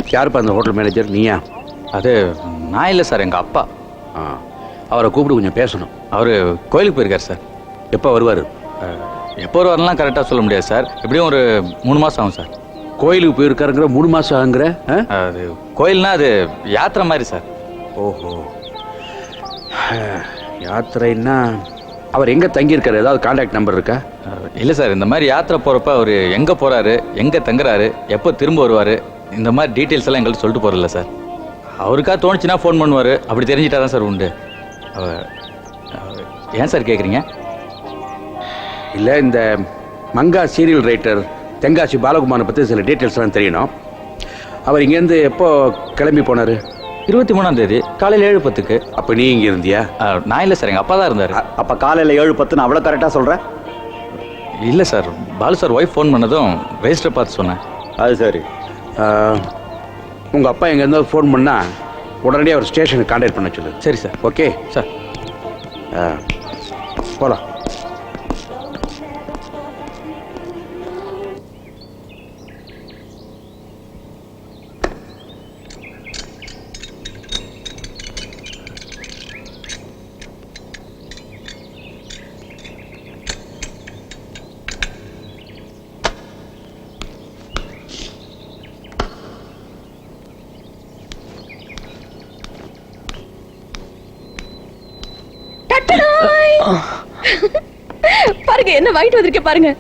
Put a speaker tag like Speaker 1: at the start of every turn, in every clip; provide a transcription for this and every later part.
Speaker 1: யாருப்பா அந்த hotel manager? நீயா?
Speaker 2: அது நான் இல்லை சார், எங்கள் அப்பா.
Speaker 1: அவரை கூப்பிட்டு கொஞ்சம் பேசணும்.
Speaker 2: அவர் கோயிலுக்கு போயிருக்கார் சார்.
Speaker 1: எப்போ வருவார்?
Speaker 2: எப்போ வருவாருலாம் கரெக்டாக சொல்ல முடியாது சார். எப்படியும் ஒரு 3 மாதம் ஆகும் சார்.
Speaker 1: கோயிலுக்கு போயிருக்காருங்கிற 3 மாதம் ஆகுங்கிற?
Speaker 2: அது கோயில்னா அது யாத்திரை மாதிரி சார்.
Speaker 1: ஓஹோ, யாத்திரைன்னா அவர் எங்கே தங்கியிருக்காரு? ஏதாவது கான்டாக்ட் நம்பர் இருக்கா?
Speaker 2: இல்லை சார், இந்த மாதிரி யாத்திரை போகிறப்ப அவர் எங்கே போகிறாரு, எங்கே தங்குறாரு, எப்போ திரும்ப வருவார், இந்த மாதிரி டீட்டெயில்ஸ் எல்லாம் எங்கள்கிட்ட சொல்லிட்டு போகிறதில்ல சார். அவருக்கா தோணுச்சுன்னா ஃபோன் பண்ணுவார். அப்படி தெரிஞ்சிட்டா தான் சார் உண்டு. ஏன் சார் கேட்குறீங்க?
Speaker 1: இல்லை, இந்த மங்கா சீரியல் ரைட்டர் தெங்காசி பாலகுமாரை பற்றி சில டீட்டெயில்ஸ்லாம் தெரியணும். அவர் இங்கேருந்து எப்போ கிளம்பி போனார்?
Speaker 2: 23ஆம் தேதி காலையில் 7:10.
Speaker 1: அப்போ நீ இங்கே இருந்தியா?
Speaker 2: நான் இல்லை சார், எங்கள் அப்பா தான் இருந்தார்.
Speaker 3: அப்போ காலையில் 7:10 அவ்வளோ கரெக்டாக சொல்கிறேன்?
Speaker 2: இல்லை sir, Balu sir wife phone பண்ணதும் ரெஜிஸ்டர் பார்த்து சொன்னேன்.
Speaker 3: அது சரி.
Speaker 1: உங்கள் அப்பா எங்கேருந்தாலும் ஃபோன் பண்ணால் உடனடியாக ஒரு ஸ்டேஷனுக்கு கான்டாக்ட் பண்ண சொல்லு.
Speaker 2: சரி சார்.
Speaker 1: ஓகே
Speaker 2: சார்,
Speaker 1: போகலாம்.
Speaker 4: பாருங்க என்ன வாங்கிட்டு வந்திருக்கேன் பாருங்க.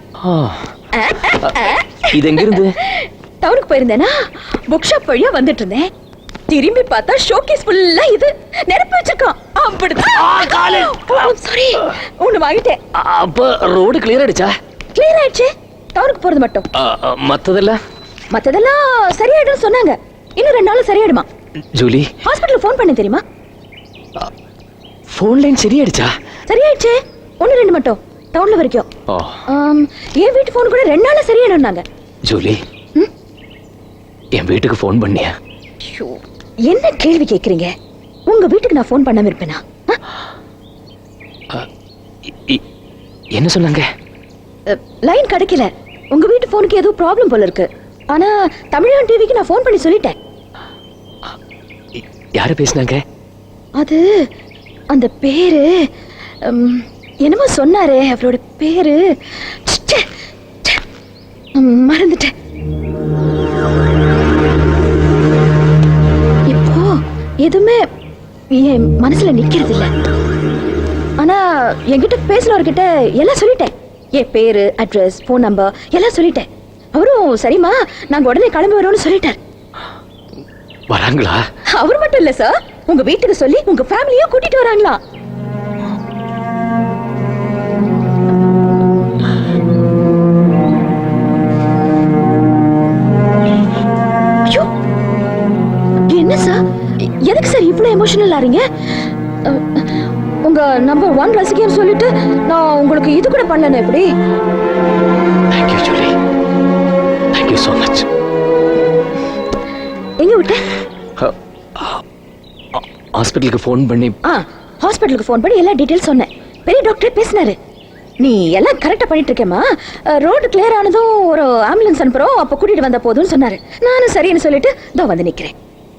Speaker 5: இது எங்க இருந்து?
Speaker 4: டவுனுக்கு போயிருந்தேனா, புக் ஷாப் வழியா வந்துட்டு இருந்தேன். திரும்பி பார்த்தா ஷோகேஸ் ஃபுல்லா இது நெருப்பு வச்சிருக்கான். அப்படிதான். சாரி, ஒண்ணு வாங்கிட்டேன்.
Speaker 5: அப்ப ரோடு கிளியர் ஆயிடுச்சா?
Speaker 4: கிளியர் ஆயிடுச்சு. டவுனுக்கு போறது மட்டும். மத்ததெல்லாம் சரியாயிடும் சொன்னாங்க. இன்னும் 2 நாள் சரியாயிடுமா?
Speaker 5: ஜூலி,
Speaker 4: ஹாஸ்பிடல்ல ஃபோன் பண்ண தெரியுமா?
Speaker 5: ஃபோன் லைன் சரியாயிடுச்சா?
Speaker 4: சரியாயிடுச்சு. 1-2 மட்டும் டவுன்ல வரைக்கும். என் வீட்டு ஃபோன் கூட 2 நாள்ல சரியாயிடும்னாங்க.
Speaker 5: ஜூலி, என் வீட்டுக்கு ஃபோன் பண்ணியா?
Speaker 4: என்ன கேள்வி கேக்குறீங்க? உங்க வீட்டுக்கு நான் ஃபோன் பண்ணாம இருப்பேனா?
Speaker 5: என்ன சொன்னாங்க?
Speaker 4: லைன் கிடைக்கல. உங்க வீட்டு ஃபோனுக்கு ஏதோ ப்ராப்ளம் போல இருக்கு. ஆனா தமிழன் டிவிக்கு நான் ஃபோன் பண்ணி சொல்லிட்டேன்.
Speaker 5: யாரு பேசுனாங்க?
Speaker 4: அது அந்த பேரு என்னமோ சொன்னாரே, அவரோட பேரு மறந்துட்டேன். இப்போ எதுவுமே என் மனசுல நிக்கிறது இல்ல. ஆனா என்கிட்ட பேசினவர்கிட்ட எல்லாம் சொல்லிட்டேன். என் பேரு, அட்ரஸ், போன் நம்பர் எல்லாம் சொல்லிட்டேன். அவரும் சரிமா நாங்க உடனே கிளம்பி வரோம்னு சொல்லிட்டார்.
Speaker 5: வராங்களா?
Speaker 4: அவர் மட்டும் இல்ல சார், உங்க வீட்டுக்கு சொல்லி உங்க ஃபேமிலியும் கூட்டிட்டு வராங்களா? என்ன சார், எதுக்கு சார் இவ்வளவு எமோஷனல் ஆறீங்க? உங்க நம்பர் 1 ரசிகன்னு சொல்லிட்டு நான் உங்களுக்கு இது கூட பண்ணல. எப்படி?
Speaker 5: Thank you, Julie. Thank you so much.
Speaker 4: எங்க விட்ட?
Speaker 5: ஹாஸ்பிடலுக்கு ஃபோன் பண்ணி
Speaker 4: ஹாஸ்பிடலுக்கு ஃபோன் பண்ணி எல்லா டீடைல்ஸ் சொன்னேன். பெரிய டாக்டர் பேசினாரு. நீ எல்லாம் கரெக்டா பண்ணிட்டு இருக்கேமா, ரோடு கிளியர் ஆனதும் ஒரு ஆம்புலன்ஸ் அனுப்புறோம், அப்ப கூட்டிட்டு வந்த போதும்னு சொன்னாரு. நானும் சரின்னு சொல்லிட்டு இதோ வந்து நிக்கிறேன்.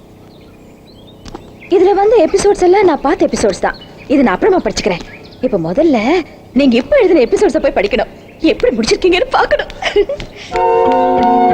Speaker 4: இதுல வந்து எபிசோட்ஸ் எல்லாம் நான் பார்த்த எபிசோட்ஸ் தான். இது நான் அப்புறமா படிச்சுக்கிறேன். இப்ப முதல்ல நீங்க இப்ப எழுதின எபிசோட்ஸை போய் படிக்கணும். எப்படி முடிச்சிருக்கீங்கன்னு பார்க்கணும்.